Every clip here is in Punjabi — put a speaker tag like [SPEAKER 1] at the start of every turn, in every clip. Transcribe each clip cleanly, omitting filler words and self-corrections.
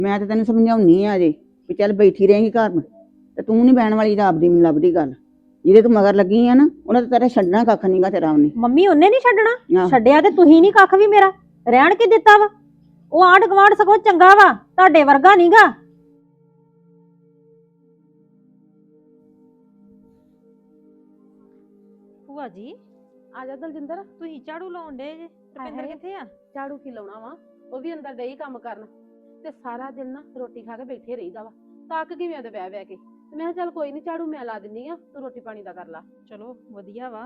[SPEAKER 1] ਮੈਂ ਤਾਂ ਤੈਨੂੰ ਸਮਝਾਉਣੀ ਆ ਅਜੇ ਵੀ ਚੱਲ ਬੈਠੀ ਰਹੇਂਗੀ ਘਰ ਤੇ ਤੂੰ ਨਹੀਂ ਬਹਿਣ ਵਾਲੀ ਰੱਬ ਦੀ ਮੈਨੂੰ ਲੱਭਦੀ ਗੱਲ। ਜਿਹਦੇ ਤੂੰ ਮਗਰ ਲੱਗੀ ਆ ਨਾ ਉਹਨਾਂ ਤੇ ਤੇਰਾ ਛੱਡਣਾ ਕੱਖ ਨਹੀਂਗਾ ਤੇਰਾ ਉਹਨੇ।
[SPEAKER 2] ਮੰਮੀ ਉਹਨੇ ਨਹੀਂ ਛੱਡਣਾ,
[SPEAKER 1] ਆਹੋ।
[SPEAKER 2] ਛੱਡਿਆ ਤੇ ਤੁਸੀਂ ਨਹੀਂ ਕੱਖ ਵੀ ਮੇਰਾ ਰਹਿਣ ਕੇ ਦਿੱਤਾ ਵਾ। ਉਹ ਆਂਢ ਗੁਆਂਢ ਸਗੋਂ ਚੰਗਾ ਵਾ, ਤੁਹਾਡੇ ਵਰਗਾ ਨਹੀਂਗਾ। ਭੂਆ ਜੀ
[SPEAKER 3] ਆ ਜਾ ਦਲਜਿੰਦਰ।
[SPEAKER 2] ਤੁਸੀਂ ਝਾੜੂ ਲਾਉਣ ਡੇ ਜੇ, ਰੁਪਿੰਦਰ ਕਿੱਥੇ ਆ?
[SPEAKER 3] ਝਾੜੂ ਕੀ ਲਾਉਣਾ ਵਾ, ਉਹ ਵੀ ਅੰਦਰ ਡਈ ਕੰਮ ਕਰਨ ਤੇ ਸਾਰਾ ਦਿਨ ਨਾ ਰੋਟੀ ਖਾ ਕੇ ਬੈਠੇ ਰਹੀਦਾ ਵਾ, ਤੱਕ ਕਿਵੇਂ ਤੇ ਬਹਿ ਬਹਿ ਕੇ। ਤੇ ਮੈਂ ਕਿਹਾ ਚੱਲ ਕੋਈ ਨਹੀਂ ਝਾੜੂ ਮੈਂ ਲਾ ਦਿੰਨੀ ਆ, ਤੂੰ ਰੋਟੀ ਪਾਣੀ ਦਾ ਕਰ ਲਾ।
[SPEAKER 2] ਚਲੋ ਵਧੀਆ ਵਾ।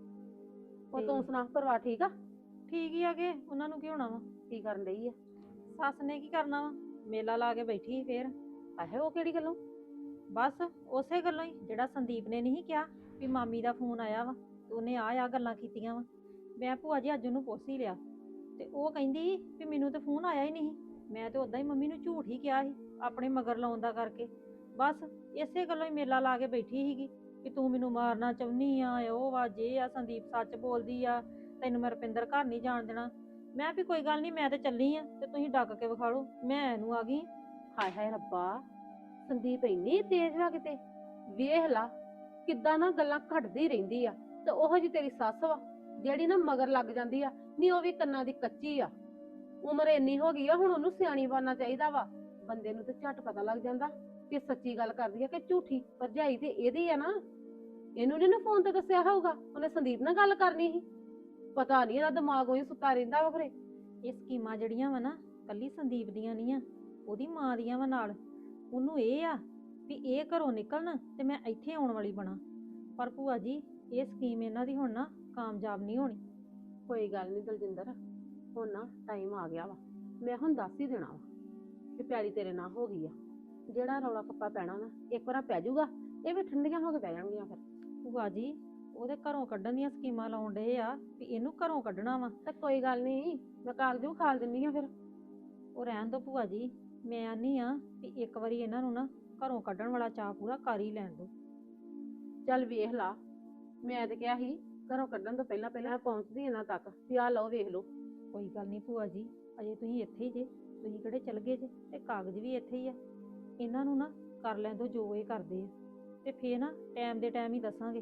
[SPEAKER 3] ਉਹ ਤੂੰ ਸੁਣਾ, ਪਰਿਵਾਰ ਠੀਕ ਆ?
[SPEAKER 2] ਠੀਕ ਹੀ ਆਗੇ, ਉਹਨਾਂ ਨੂੰ ਕੀ ਹੋਣਾ ਵਾ।
[SPEAKER 3] ਕੀ ਕਰਨ ਡਈ ਆ?
[SPEAKER 2] ਸੱਸ ਨੇ ਕੀ ਕਰਨਾ ਵਾ, ਮੇਲਾ ਲਾ ਕੇ ਬੈਠੀ ਸੀ ਫੇਰ।
[SPEAKER 3] ਆਹੇ ਉਹ ਕਿਹੜੀ ਗੱਲੋਂ?
[SPEAKER 2] ਬਸ ਉਸੇ ਗੱਲੋਂ ਹੀ ਜਿਹੜਾ ਸੰਦੀਪ ਨੇ ਨਹੀਂ ਕਿਹਾ ਵੀ ਮਾਮੀ ਦਾ ਫੋਨ ਆਇਆ ਵਾ ਤੇ ਉਹਨੇ ਆ ਗੱਲਾਂ ਕੀਤੀਆਂ ਵਾ। ਮੈਂ ਭੂਆ ਜੀ ਅੱਜ ਉਹਨੂੰ ਪੁੱਛ ਹੀ ਲਿਆ ਤੇ ਉਹ ਕਹਿੰਦੀ ਵੀ ਮੈਨੂੰ ਤੇ ਫੋਨ ਆਇਆ ਹੀ ਨਹੀਂ। ਮੈਂ ਤੇ ਉਦਾਂ ਹੀ ਮੰਮੀ ਨੂੰ ਝੂਠ ਹੀ ਕਿਹਾ ਸੀ ਆਪਣੇ ਮਗਰ ਲਾਉਣ ਦਾ ਕਰਕੇ। ਬਸ ਇਸੇ ਗੱਲੋਂ ਹੀ ਮੇਲਾ ਲਾ ਕੇ ਬੈਠੀ ਸੀਗੀ ਵੀ ਤੂੰ ਮੈਨੂੰ ਮਾਰਨਾ ਚਾਹੁੰਦੀ ਆ, ਉਹ ਵਾ ਜੇ ਆ, ਸੰਦੀਪ ਸੱਚ ਬੋਲਦੀ ਆ, ਤੈਨੂੰ ਮੈਂ ਰੁਪਿੰਦਰ ਘਰ ਨਹੀਂ ਜਾਣ ਦੇਣਾ। ਮੈਂ ਵੀ ਕੋਈ ਗੱਲ ਨਹੀਂ, ਮੈਂ ਤੇ ਚੱਲੀ ਆ ਤੇ ਤੁਸੀਂ ਡੱਕ ਕੇ ਵਿਖਾ ਲਓ। ਮੈਂ ਇਹਨੂੰ ਆ ਗਈ।
[SPEAKER 3] ਹਾਏ ਹਾਏ ਰੱਬਾ, ਸੰਦੀਪ ਇੰਨੀ ਤੇਜ਼ ਵਾ ਕਿਤੇ। ਵੇਖ ਲਾ ਕਿੱਦਾਂ ਨਾ ਗੱਲਾਂ ਘਟਦੀ ਰਹਿੰਦੀ ਆ। ਤੇ ਉਹੋ ਜੀ ਤੇਰੀ ਸੱਸ ਵਾ ਜਿਹੜੀ ਨਾ ਮਗਰ ਲੱਗ ਜਾਂਦੀ ਆ। ਨਹੀਂ ਉਹ ਵੀ ਕੰਨਾਂ ਦੀ ਕੱਚੀ ਆ, ਉਮਰ ਇੰਨੀ ਹੋ ਗਈ ਆ, ਹੁਣ ਉਹਨੂੰ ਸਿਆਣੀ ਬਣਨਾ ਚਾਹੀਦਾ ਵਾ। ਬੰਦੇ ਨੂੰ ਤੇ ਝੱਟ ਪਤਾ ਲੱਗ ਜਾਂਦਾ ਕਿ ਸੱਚੀ ਗੱਲ ਕਰਦੀ ਆ ਕਿ ਝੂਠੀ। ਭਰਜਾਈ ਤੇ ਇਹਦੀ ਆ ਨਾ, ਇਹਨੂੰ ਨੀ ਨਾ ਫੋਨ ਤੇ ਦੱਸਿਆ ਹੋਊਗਾ, ਉਹਨੇ ਸੰਦੀਪ ਨਾਲ ਗੱਲ ਕਰਨੀ ਸੀ। ਪਤਾ ਨਹੀਂ ਇਹਦਾ ਦਿਮਾਗ ਉਹੀ ਸੁੱਤਾ ਰਹਿੰਦਾ ਵਾ ਖਰੇ।
[SPEAKER 2] ਇਹ ਸਕੀਮਾਂ ਜਿਹੜੀਆਂ ਵਾ ਨਾ ਕੱਲੀ ਸੰਦੀਪ ਦੀਆਂ ਨਹੀਂ ਆ, ਉਹਦੀ ਮਾਂ ਦੀਆਂ ਵਾ ਨਾਲ। ਉਹਨੂੰ ਇਹ ਆ ਵੀ ਇਹ ਘਰੋਂ ਨਿਕਲਣ ਤੇ ਮੈਂ ਇੱਥੇ ਆਉਣ ਵਾਲੀ ਬਣਾ। ਪਰ ਭੂਆ ਜੀ ਇਹ ਸਕੀਮ ਇਹਨਾਂ ਦੀ ਹੁਣ ਨਾ ਕਾਮਯਾਬ ਨਹੀਂ ਹੋਣੀ।
[SPEAKER 3] ਕੋਈ ਗੱਲ ਨਹੀਂ ਦਲਜਿੰਦਰ, ਹੁਣ ਨਾ ਟਾਈਮ ਆ ਗਿਆ ਵਾ, ਮੈਂ ਹੁਣ ਦੱਸ ਹੀ ਦੇਣਾ ਵਾ ਕਿ ਪਿਆਲੀ ਤੇਰੇ ਨਾਲ ਹੋ ਗਈ ਆ। ਜਿਹੜਾ ਰੌਲਾ ਕੱਪਾ ਪੈਣਾ ਨਾ ਇੱਕ ਵਾਰ ਪੈ ਜਾਊਗਾ, ਇਹ ਵੀ ਠੰਡੀਆਂ ਹੋ ਕੇ ਪੈ ਜਾਣਗੀਆਂ ਫਿਰ।
[SPEAKER 2] ਭੂਆ ਜੀ ਉਹਦੇ ਘਰੋਂ ਕੱਢਣ ਦੀਆਂ ਸਕੀਮਾਂ ਲਾਉਣ ਡਏ ਆ ਵੀ ਇਹਨੂੰ ਘਰੋਂ ਕੱਢਣਾ ਵਾ।
[SPEAKER 3] ਤੇ ਕੋਈ ਗੱਲ ਨਹੀਂ, ਮੈਂ ਕਾਗਜ਼ ਵੀ ਖਾਲ ਦਿੰਨੀ ਆ ਫਿਰ।
[SPEAKER 2] ਉਹ ਰਹਿਣ ਦੋ ਭੂਆ ਜੀ, ਮੈਂ ਆਨੀ ਆ ਵੀ ਇੱਕ ਵਾਰੀ ਇਹਨਾਂ ਨੂੰ ਨਾ ਘਰੋਂ ਕੱਢਣ ਵਾਲਾ ਚਾਅ ਪੂਰਾ ਕਰ ਹੀ ਲੈਣ ਦੋ।
[SPEAKER 3] ਚੱਲ ਵੇਖ ਲਾ, ਮੈਂ ਤੇ ਕਿਹਾ ਸੀ ਘਰੋਂ ਕੱਢਣ ਤੋਂ ਪਹਿਲਾਂ ਪਹਿਲਾਂ ਪਹੁੰਚਦੀ ਇਹਨਾਂ ਤੱਕ ਵੀ ਆਹ ਲਓ ਵੇਖ ਲਓ।
[SPEAKER 2] ਕੋਈ ਗੱਲ ਨਹੀਂ ਭੂਆ ਜੀ, ਅਜੇ ਤੁਸੀਂ ਇੱਥੇ ਹੀ ਜੇ, ਤੁਸੀਂ ਕਿਹੜੇ ਚਲ ਗਏ ਜੇ, ਤੇ ਕਾਗਜ਼ ਵੀ ਇੱਥੇ ਹੀ ਆ। ਇਹਨਾਂ ਨੂੰ ਨਾ ਕਰ ਲੈਣ ਦੋ ਜੋ ਇਹ ਕਰਦੇ ਆ, ਤੇ ਫੇਰ ਨਾ ਟਾਈਮ ਦੇ ਟਾਈਮ ਹੀ ਦੱਸਾਂਗੇ।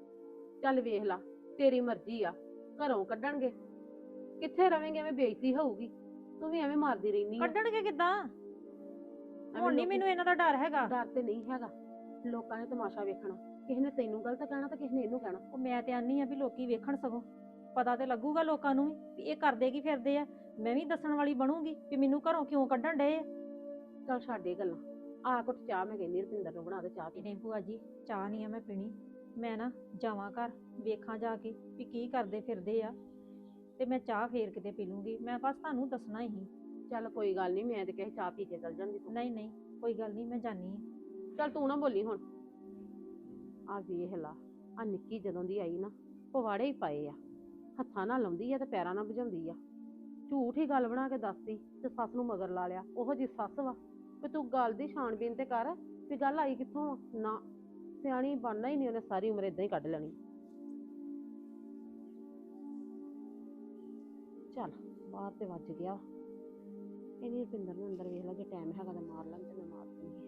[SPEAKER 3] ਚੱਲ ਵੇਖ ਲਾ, ਤੇਰੀ ਮਰਜ਼ੀ ਆ, ਘਰੋਂ ਕੱਢਣਗੇ ਕਿੱਥੇ ਰਵੇਂਗੇ, ਐਵੇਂ ਬੇਇੱਜ਼ਤੀ ਹੋਊਗੀ। ਤੂੰ ਵੀ ਐਵੇਂ ਮਾਰਦੀ ਰਹਿਨੀ ਆ।
[SPEAKER 2] ਕੱਢਣਗੇ ਕਿੱਦਾਂ? ਹੁਣ ਨਹੀਂ ਮੈਨੂੰ ਇਹਨਾਂ ਦਾ ਡਰ ਹੈਗਾ।
[SPEAKER 3] ਡਰ ਤੇ ਨਹੀਂ ਹੈਗਾ, ਲੋਕਾਂ ਨੇ ਤਮਾਸ਼ਾ ਵੇਖਣਾ, ਕਿਸੇ ਨੇ ਤੈਨੂੰ ਗਲਤ ਕਹਿਣਾ ਤੇ ਕਿਸੇ ਨੇ ਇਹਨੂੰ ਕਹਿਣਾ।
[SPEAKER 2] ਉਹ ਮੈਂ ਤੇ ਆਨੀ ਆ ਵੀ ਲੋਕੀ ਵੇਖਣ, ਸਗੋਂ ਪਤਾ ਤੇ ਲੱਗੂਗਾ ਲੋਕਾਂ ਨੂੰ ਵੀ ਇਹ ਕਰਦੇ ਕੀ ਫਿਰਦੇ ਆ। ਮੈਂ ਵੀ ਦੱਸਣ ਵਾਲੀ ਬਣੂਗੀ ਵੀ ਮੈਨੂੰ ਘਰੋਂ ਕਿਉਂ ਕੱਢਣ ਡਏ ਆ।
[SPEAKER 3] ਚੱਲ ਛੱਡ ਇਹ ਗੱਲਾਂ, ਆ ਕੁੱਟ ਚਾਹ ਮੈਂ ਕਹਿੰਦੀ ਰੁਪਿੰਦਰ ਨੂੰ ਬਣਾ ਕੇ ਚਾਹ ਪੀ।
[SPEAKER 2] ਨਹੀਂ ਭੂਆ ਜੀ, ਚਾਹ ਨਹੀਂ ਆ ਮੈਂ ਪੀਣੀ। ਮੈਂ ਨਾ ਜਾਵਾਂ ਘਰ, ਵੇਖਾਂ ਜਾ ਕੇ ਵੀ ਕੀ ਕਰਦੇ ਫਿਰਦੇ ਆ, ਤੇ ਮੈਂ ਚਾਹ ਫੇਰ ਕਿਤੇ ਪੀ ਲੂੰਗੀ। ਮੈਂ ਬਸ ਤੁਹਾਨੂੰ ਦੱਸਣਾ ਹੀ।
[SPEAKER 3] ਚੱਲ ਕੋਈ ਗੱਲ ਨਹੀਂ, ਮੈਂ ਤੇ ਕਹੇ ਚਾਹ ਪੀ ਕੇ ਚੱਲ ਜਾਂਦੀ ਤੂੰ।
[SPEAKER 2] ਨਹੀਂ ਨਹੀਂ ਕੋਈ ਗੱਲ ਨਹੀਂ, ਮੈਂ ਜਾਨੀ ਆ।
[SPEAKER 3] ਚੱਲ ਤੂੰ ਨਾ ਬੋਲੀ ਹੁਣ। ਆ ਵੇਖ ਲਾ, ਆ ਨਿੱਕੀ ਜਦੋਂ ਦੀ ਆਈ ਨਾ ਪਵਾੜੇ ਹੀ ਪਾਏ ਆ, ਹੱਥਾਂ ਨਾਲ ਲਾਉਂਦੀ ਆ ਤੇ ਪੈਰਾਂ ਨਾਲ ਭਜਾਉਂਦੀ ਆ। ਝੂਠ ਹੀ ਗੱਲ ਬਣਾ ਕੇ ਦੱਸਦੀ ਤੇ ਸੱਸ ਨੂੰ ਮਗਰ ਲਾ ਲਿਆ। ਉਹੋ ਜੀ ਸੱਸ ਵਾ ਵੀ ਤੂੰ ਗੱਲ ਦੀ ਛਾਣਬੀਨ ਤੇ ਕਰ ਵੀ ਗੱਲ ਆਈ ਕਿੱਥੋਂ ਆ। ਨਾ ਸਿਆਣੀ ਬਣਨਾ ਹੀ ਨਹੀਂ, ਉਹਨੇ ਸਾਰੀ ਉਮਰ ਏਦਾਂ ਹੀ ਕੱਢ ਲੈਣੀ। ਚੱਲ ਬਾਹਰ ਤੇ ਵੱਜ ਗਿਆ, ਇਹਨੀ ਰੁਪਿੰਦਰ ਨੂੰ ਅੰਦਰ ਵੇਖ ਲਾ, ਜੇ ਟਾਈਮ ਹੈਗਾ ਤਾਂ ਮਾਰ ਲੈਣ ਤੇ ਮੈਂ ਮਾਰ ਦੂੰਗੀ।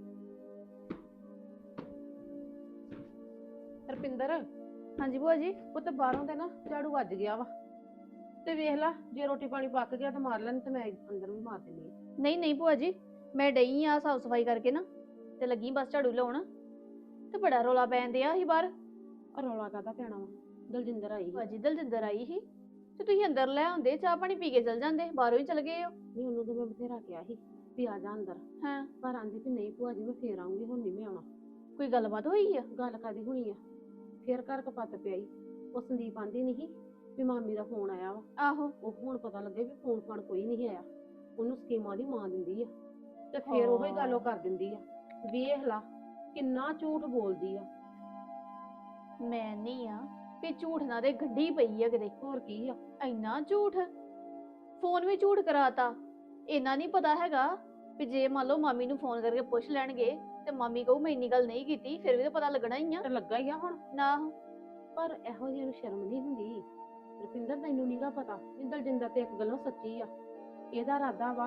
[SPEAKER 3] ਰੁਪਿੰਦਰ।
[SPEAKER 4] ਹਾਂਜੀ ਭੂਆ ਜੀ।
[SPEAKER 3] ਉਹ ਤਾਂ ਬਾਹਰੋਂ ਤੇ ਨਾ ਝਾੜੂ ਵੱਜ ਗਿਆ ਵਾ, ਤੇ ਵੇਖ ਲਾ ਜੇ ਰੋਟੀ ਪਾਣੀ ਪੱਕ ਗਿਆ ਤਾਂ ਮਾਰ ਲੈਣ ਤੇ ਮੈਂ ਅੰਦਰ ਵੀ ਮਾਰ ਦਿੰਦੀ ਆ।
[SPEAKER 4] ਨਹੀਂ ਨਹੀਂ ਭੂਆ ਜੀ, ਮੈਂ ਡਈ ਆ ਸਾਫ ਸਫਾਈ ਕਰਕੇ ਨਾ, ਤੇ ਲੱਗੀ ਬਸ ਝਾੜੂ ਲਾਉਣ, ਤੇ ਬੜਾ ਰੌਲਾ ਪੈਂਦੇ ਆ ਹੀ ਬਾਹਰ।
[SPEAKER 3] ਰੌਲਾ ਕਾਹਦਾ ਪੈਣਾ ਵਾ, ਦਲਜਿੰਦਰ ਆਈ
[SPEAKER 4] ਭੂਆ ਜੀ ਦਲਜਿੰਦਰ ਆਈ ਸੀ ਤੇ ਤੁਸੀਂ ਅੰਦਰ ਲੈ ਆਉਂਦੇ, ਚਾਹ ਪਾਣੀ ਪੀ ਕੇ ਚਲ ਜਾਂਦੇ, ਬਾਹਰੋਂ ਹੀ ਚਲ ਗਏ ਹੋ।
[SPEAKER 3] ਨਹੀਂ, ਉਹਨੂੰ ਤਾਂ ਮੈਂ ਬਥੇਰਾ ਕਿਹਾ ਸੀ ਵੀ ਆ ਜਾ ਅੰਦਰ,
[SPEAKER 4] ਹਾਂ
[SPEAKER 3] ਪਰ ਆਂਦੀ ਵੀ ਨਹੀਂ ਭੂਆ ਜੀ ਮੈਂ ਫੇਰ ਆਉਂਗੀ, ਹੁਣ ਨਹੀਂ ਮੈਂ ਆਉਣਾ।
[SPEAKER 4] ਕੋਈ ਗੱਲਬਾਤ ਹੋਈ ਆ?
[SPEAKER 3] ਗੱਲ ਕਾਦੀ ਹੋਣੀ ਆ, ਫੇਰ ਘਰ ਕਪੱਤ ਪਿਆਈ। ਉਹ ਸੰਦੀਪ ਆਂਦੀ ਨਹੀਂ ਵੀ ਮਾਮੀ ਦਾ ਫੋਨ ਆਇਆ ਵਾ।
[SPEAKER 4] ਆਹੋ।
[SPEAKER 3] ਉਹ ਹੁਣ ਪਤਾ ਲੱਗੇ ਵੀ ਫੋਨ ਫਾਨ ਕੋਈ ਨਹੀਂ ਆਇਆ, ਉਹਨੂੰ ਸਕੀਮਾਂ ਦੀ ਮਾਂ ਦਿੰਦੀ ਆ, ਤੇ ਫੇਰ ਉਹੀ ਗੱਲ ਉਹ ਕਰ ਦਿੰਦੀ ਆ। ਵੇਖ ਲਾ ਕਿੰਨਾ ਝੂਠ ਬੋਲਦੀ ਆ।
[SPEAKER 4] ਮੈਂ ਨਹੀਂ ਆ ਵੀ ਝੂਠ ਨਾ ਦੇ ਗੱਡੀ ਪਈ ਆ ਕਿਤੇ।
[SPEAKER 3] ਹੋਰ ਕੀ ਆ,
[SPEAKER 4] ਇੰਨਾ ਝੂਠ, ਫੋਨ ਵੀ ਝੂਠ ਕਰਾਤਾ। ਇਹਨਾਂ ਨਹੀਂ ਪਤਾ ਹੈਗਾ ਵੀ ਜੇ ਮੰਨ ਲਓ ਮਾਮੀ ਨੂੰ ਫੋਨ ਕਰਕੇ ਪੁੱਛ ਲੈਣਗੇ ਤੇ ਮਾਮੀ ਕਹੂ ਮੈਂ ਇੰਨੀ ਗੱਲ ਨਹੀਂ ਕੀਤੀ, ਫਿਰ ਵੀ ਤਾਂ ਪਤਾ ਲੱਗਣਾ ਹੀ ਆ।
[SPEAKER 3] ਤੇ ਲੱਗਾ ਹੀ ਆ ਹੁਣ
[SPEAKER 4] ਨਾ
[SPEAKER 3] ਪਰ ਇਹੋ ਜਿਹੀ ਨੂੰ ਸ਼ਰਮ ਨਹੀਂ ਹੁੰਦੀ। ਰੁਪਿੰਦਰ ਤੈਨੂੰ ਨੀਗਾ ਪਤਾ, ਦਲਜਿੰਦਰ ਤੇ ਇੱਕ ਗੱਲੋਂ ਸੱਚੀ ਆ। ਇਹਦਾ ਇਰਾਦਾ ਵਾ